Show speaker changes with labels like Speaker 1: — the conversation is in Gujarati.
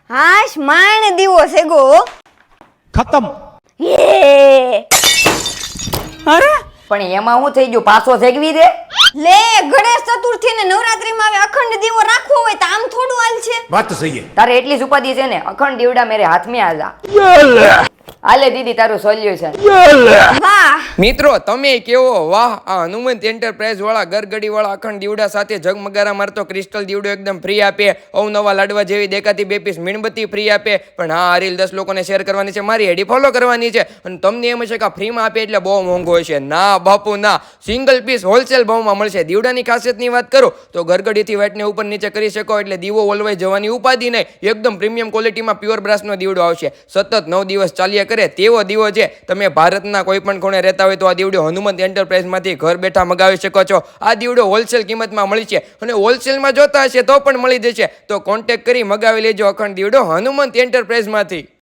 Speaker 1: હાશ માણ દીવો સેગો
Speaker 2: ખતમ.
Speaker 1: યે
Speaker 2: અરે
Speaker 3: પણ એમાં શું થઈ ગયું? પાછો સેગવી દે.
Speaker 1: લે ગણેશ ચતુર્થી ને નવરાત્રીમાં હવે અખંડ દીવો રાખવો હોય તો આમ થોડું હાલ છે.
Speaker 4: વાત તો સહી है.
Speaker 3: તારે એટલી જ ઉપાધિ છે ને? અખંડ દીવડા મેરે હાથ में આજા. હાલે દીદી તારું સોલ્યુશન.
Speaker 1: વાહ
Speaker 5: મિત્રો તમે કેવો વાહ! આ હનુમંત એન્ટરપ્રાઇઝ વાળા ગરગડી વાળા અખંડ દીવડા સાથે ઝગમગારા મારતો ક્રિસ્ટલ દીવડો એકદમ ફ્રી આપે. અવનવા લાડવા જેવી દેખાતી 2 પીસ મીણબત્તી ફ્રી આપે. પણ હા, આ રીલ 10 લોકોને શેર કરવાની છે, મારી આઈડી ફોલો કરવાની છે. અને તમને એમ હશે કે આ ફ્રીમાં આપે એટલે બહુ મોંઘો હશે. ના બાપુ ના, સિંગલ પીસ હોલસેલ ભાવમાં મળશે. દીવડાની ખાસિયતની વાત કરું તો ગરગડીથી વાટને ઉપર નીચે કરી શકો એટલે દીવો ઓલવાઈ જવાની ઉપાધિ નહીં. એકદમ પ્રીમિયમ ક્વોલિટીમાં પ્યોર બ્રાસનો દીવડો આવશે. સતત 9 દિવસ ચાલ્યા કરે તેવો દીવો છે. તમે ભારતના કોઈ પણ ખૂણે રહેતા હોય તો આ દીવડો હનુમંત એન્ટરપ્રાઇઝમાંથી ઘર બેઠા મગાવી શકો છો. આ દીવડો હોલસેલ કિંમતમાં મળી છે અને હોલસેલમાં જોતા હશે તો પણ મળી જશે. તો કોન્ટેક્ટ કરી મગાવી લેજો અખંડ દીવડો હનુમંત એન્ટરપ્રાઇઝમાંથી.